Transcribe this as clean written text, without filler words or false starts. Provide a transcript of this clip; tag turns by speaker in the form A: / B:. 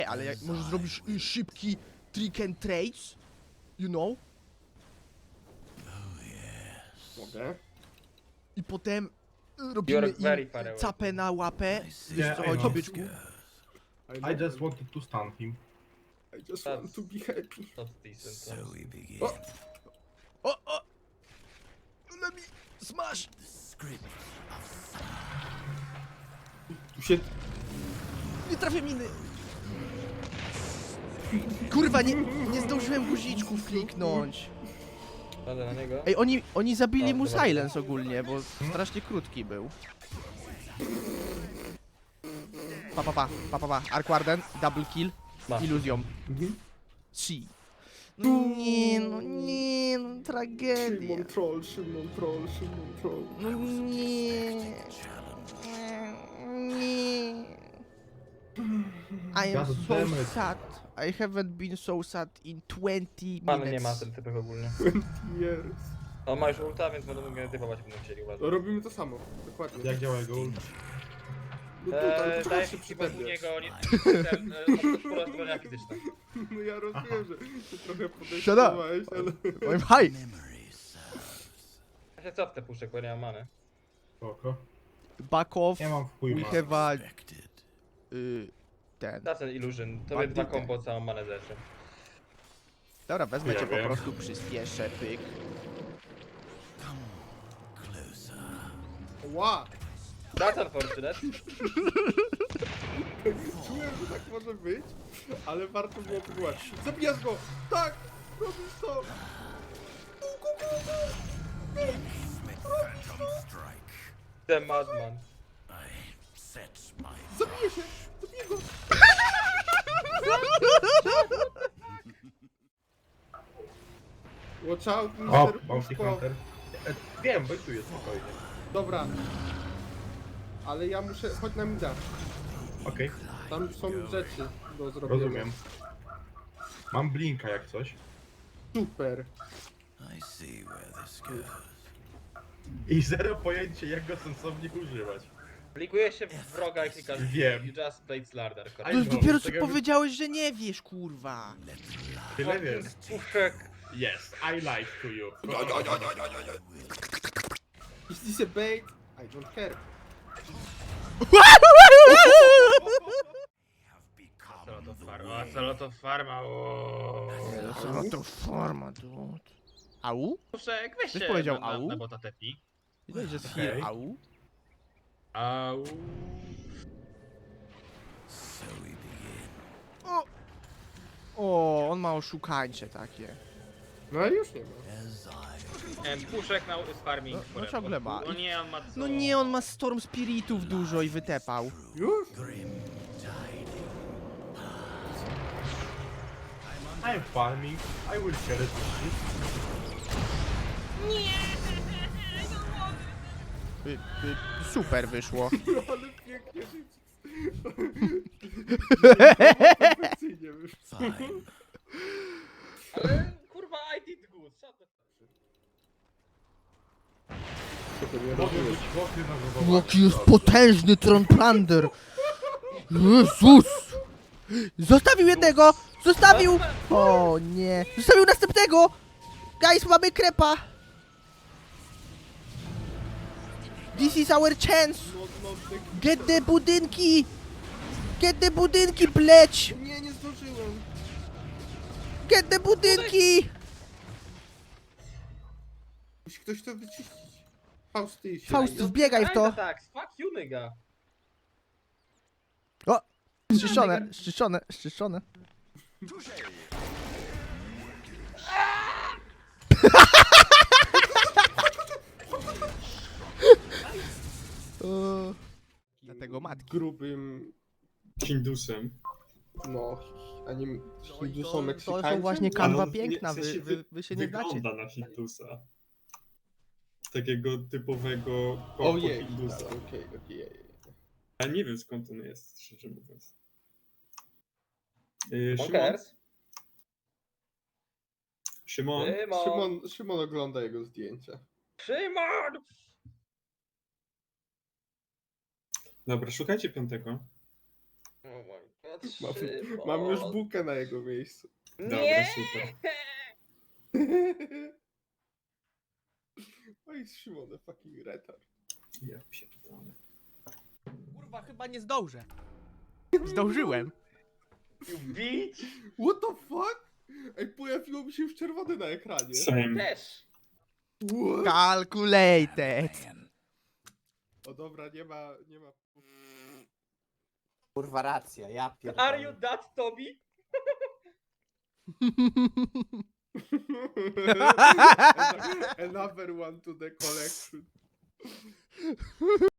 A: Ale jak może zrobisz szybki trick and trades? You know?
B: Mogę?
A: I potem robimy
C: You're very
A: im
C: far away.
A: capę na łapę. Wiesz
D: Yeah,
A: co
D: I
A: chodzi,
D: know.
A: byczku?
D: I just wanted to stun him.
B: I just want to be happy.
C: Not decent.
E: So
C: No.
E: we begin.
A: O! Let me smash!
E: Script.
B: Tu się...
A: Nie trafię miny! Kurwa, nie zdążyłem guziczków kliknąć.
C: Jadę na niego.
A: Ej, oni zabili
C: O,
A: mu
C: dobra.
A: silence ogólnie, bo strasznie krótki był. Pa. Arc Warden, double kill,
C: Masz.
A: iluzją. Si. Nie no, tragedia.
B: Szymon troll.
A: No nie. I am
D: God
A: so
D: damn it.
A: sad. I haven't been so sad in 20
C: Pan nie ma
A: minutes.
C: ten typek ogólnie.
B: Years.
C: On ma już ulta, więc będą mogli typować, będą chcieli, uważać.
B: No robimy to samo, dokładnie.
D: Jak działa jego ult?
B: No tutaj,
C: Daję
B: poczekaj się
C: ci
B: przy
C: u
B: tebie.
C: niego, nie... sporo zbrojenia fizyczne.
B: No ja rozumiem, że ty trochę
A: Shut up.
B: podejrzewałeś, ale...
A: I'm high.
E: Memory serves.
C: Ja się cofnę puszczę, bo ja nie mam many.
D: Spoko.
A: Back off.
D: Nie mam wpływu.
A: We have a...
E: Expected.
A: ten.
C: Da ten illusion, to
A: Bandyty.
C: jest dwa combo, całą manę zeszły.
A: Dobra, wezmę
D: Ja
A: cię po
D: wiem.
A: prostu przyspieszę, pyk.
E: Closer.
B: Ła!
C: That's unfortunate.
B: Czułem, że tak może być, ale warto było próbować. Zabijasz go! Tak! Robisz to!
E: Strike.
C: The madman.
E: I set my
B: Zabiję się! Zabiję go! Watch out,
D: O,
B: Mr.
D: Bounty
B: Puszko.
D: Hunter. Wiem, wejtuję spokojnie.
B: Dobra. Ale ja muszę... Chodź na mida.
D: Okej,
B: Tam są rzeczy do zrobienia.
D: rozumiem. Mam blinka jak coś.
B: Super.
E: I see where this goes.
D: I zero pojęcia jak go sensownie używać.
C: Klikuje się w wroga i klikasz.
D: Wiem.
C: You just played Slardar,
A: To
D: I
A: już
D: know,
A: dopiero co
D: tego-
A: powiedziałeś, że nie wiesz, kurwa.
D: Tyle wiem.
C: Puszek.
D: Yes, I lied to you.
B: Is this a bait? I don't care.
C: Saloto farma,
A: No to forma, dude. Au?
C: Puszek, weź
A: Ktoś
C: się
A: powiedział
C: na
A: au?
C: bota tepi.
A: Widać, że jest
D: Okej.
A: heal, au?
C: Au.
E: So we begin.
A: O, on ma oszukańcze takie.
B: No i już nie ma.
E: As I
C: Puszek na farming.
A: No
C: forever.
A: ciągle ma.
C: No nie, on ma co?
A: No nie, on ma Storm Spiritów dużo i wytepał.
B: Już?
D: I'm farming. I will share it with
A: Super wyszło.
B: No ale pięknie żyć. Perfekcyjnie wyszło.
E: fine.
C: Ale kurwa, I did good. Co to?
D: you. Mogę być wokry na zawołanie.
A: Jaki jest potężny Tronplander! Jezus! Zostawił jednego! Zostawił! O nie! Zostawił następnego! Guys, mamy krepa! This is our chance! Get the budynki! Get the budynki, bleć!
B: Nie zdążyłem.
A: Get the budynki!
B: Musi ktoś to wyczyścić. Fausty się.
A: Faust, wbiegaj w to!
C: Tak, fuck you, nigga.
A: O! Szczyszczone. Dlatego matki.
B: Grubym,
F: Hindusem.
B: no, ani Hindusom,
A: To
B: Meksykańcem.
A: są właśnie kanwa
F: Ale
A: piękna,
F: w sensie
A: wy się nie znacie.
F: Wygląda na Hindusa. Takiego typowego
B: Ojej,
F: Hindusa.
B: okej.
F: Ale nie wiem skąd on jest, szczerze mówiąc. Szymon?
C: Bonkers.
F: Szymon?
B: Szymon ogląda jego zdjęcia.
C: Szymon!
F: Dobra, szukajcie piątego.
C: Oh my
B: Mam już bukę na jego miejscu.
F: Dobra,
C: Nie!
F: super.
B: Oj, Szymon, the fucking retard.
F: Ja pierdolę.
A: Kurwa, chyba nie zdążę. Zdążyłem.
C: You bitch!
B: What the fuck? Ej, pojawiło mi się już czerwone na ekranie.
F: Same.
C: Też!
B: What?
A: Calculated.
E: Man.
B: O dobra, nie ma...
G: Kurwa racja, ja
C: Are you
G: pierdolę.
C: that, Toby?
B: Another one to the collection.